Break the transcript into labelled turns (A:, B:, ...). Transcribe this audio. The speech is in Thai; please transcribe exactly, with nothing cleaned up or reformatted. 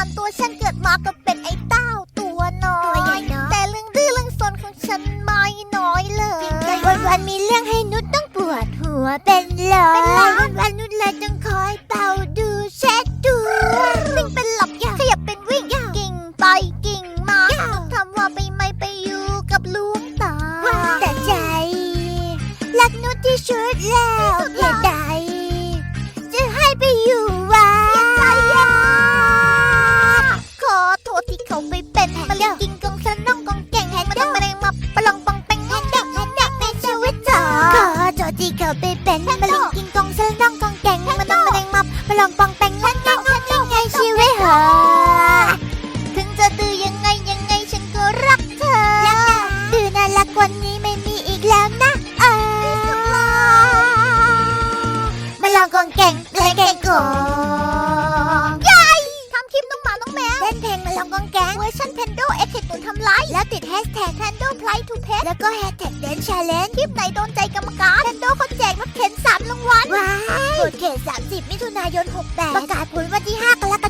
A: านตัวฉันเกิดมาก็เป็นไอ้เต้าตัวน้อยแต่เรื่องดื้อเรื่องซนของฉันไม่น้อยเลยวันวันๆมีเรื่องให้นุชต้องปวดหัวเป็นเลยวันวันๆนุชเลยต้องคอยเป่าดูเช็ดดูวิ่งเป็นหลับขยับเป็นวิ่งกิ่งไปกิ่งมาทำว่าไปไม่ไปอยู่กับลุงตาแต่ใจรักนุชที่สุดแล้วเหตุใดจะให้ไปอยู่วัดขอโทษที่เขาไปเป็นมะเร็งกินกองสนองกองแก่งมาต้องมาแรงมาปลองปองแปงแฮนดักแฮนดักในชีวิตเธอขอโทษที่เขาไปเป็นมะเร็งกินกองสนองกองแก่งมาต้องมาแรงมาปลองปองแปงแฮนดักแฮนดักในชีวิตเธอถึงจะดื้อยังไงยังไงฉันก็รักเธอดื้อน่ารักกว่านี้ไม่มีอีกแล้วนะเออมาลองกองแก่งเพลงแก่งกองยายทำคลิปน้องหมาน้องแมวเล่นเพลงมาลองกองแก่งเวอร์ชันเพนโดเอ็กซ์ตุนทำไลฟ์แล้วติดแฮชแท็กเพนโดไพร์ทูเพแล้วก็แฮชแท็กเดนชาเลนจ์คลิปไหนโดนใจกรรมการเพนโดเขาแจกรถเข็นสามรางวัลว้าวกดเขตสามสิบมิถุนายนหกแปดประกาศผลวันที่ห้า